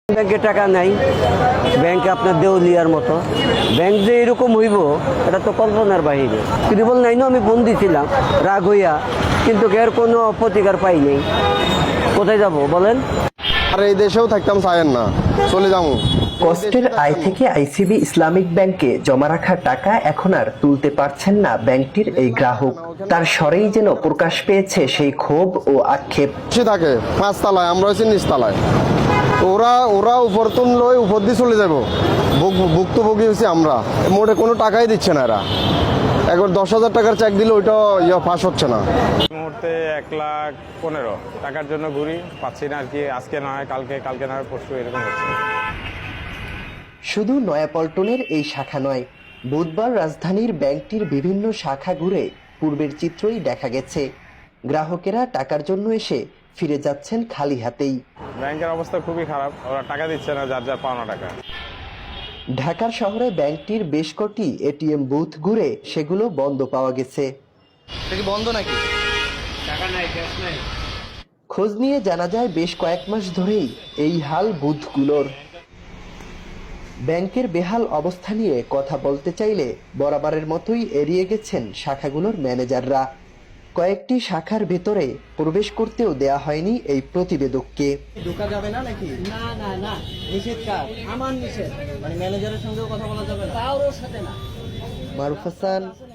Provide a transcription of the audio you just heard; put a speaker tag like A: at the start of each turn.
A: ব্যাংকে টাকা নাই, ব্যাংকে আপনার দেউলিয়ার মতো। ব্যাংক যে এরকম হইব এটা তো কল্পনার বাহিরে। ত্রিপল নাইনও আমি বন্দি ছিলাম রাগ হইয়া, কিন্তু এর কোনো প্রতিকার পাই নাই। কোথায় যাব বলেন?
B: আর এই দেশেও থাকতাম চায়েন না, চলে যাবো।
C: কষ্টের আয় থেকে আইসিবি ইসলামিক ব্যাংকে জমা রাখা টাকা এখন আর তুলতে পারছেন না ব্যাংকটির এই গ্রাহক। তার স্বরেই যেন প্রকাশ পেয়েছে সেই ক্ষোভ ও আক্ষেপ।
B: সে থাকে 5 তলায়, আমরা হচ্ছি নিচতলায়। ওরা উপর তুললে উপর দিয়ে চলে যাবো, ভুক্তভোগী হচ্ছে আমরা। মোটে কোনো টাকাই দিচ্ছে না এরা। একবার 10,000 টাকার চেক দিলে ওইটা পাস হচ্ছে না।
D: মুহূর্তে 1,15,000 টাকার জন্য ঘুরি, পাচ্ছি না আর কি। আজকে না হয় কালকে, কালকে না হয় পরশু, এরকম হচ্ছে।
C: শুধু নয়াপল্টনের এই শাখা নয়, বুধবার রাজধানীর ব্যাংকটির বিভিন্ন শাখা ঘুরে পূর্বের চিত্রই দেখা গেছে। গ্রাহকেরা টাকার জন্য এসে ফিরে যাচ্ছেন খালি হাতেই।
D: ব্যাংকের অবস্থা খুবই খারাপ, ওরা টাকা দিচ্ছে না, যার যার পাওনা টাকা।
C: ঢাকার শহরে ব্যাংকটির বেশ কটি এটিএম বুথ ঘুরে সেগুলো বন্ধ পাওয়া গেছে।
E: বন্ধ নাকি?
C: খোঁজ নিয়ে জানা যায় বেশ কয়েক মাস ধরেই এই হাল বুথগুলোর। ব্যাংকের বেহাল অবস্থা নিয়ে কথা বলতে চাইলে বরাবরের মতোই এড়িয়ে গেছেন শাখাগুলোর ম্যানেজাররা। কয়েকটি শাখার ভেতরে প্রবেশ করতেও দেয়া হয়নি এই প্রতিবেদককে।
E: ঢোকা যাবে না নাকি?
F: না না না,
E: নিষেধ কার?
F: আমার নিষেধ।
E: মানে ম্যানেজারের সঙ্গেও কথা বলা যাবে না?
F: কারোর সাথে না।
C: মারুফ হাসান,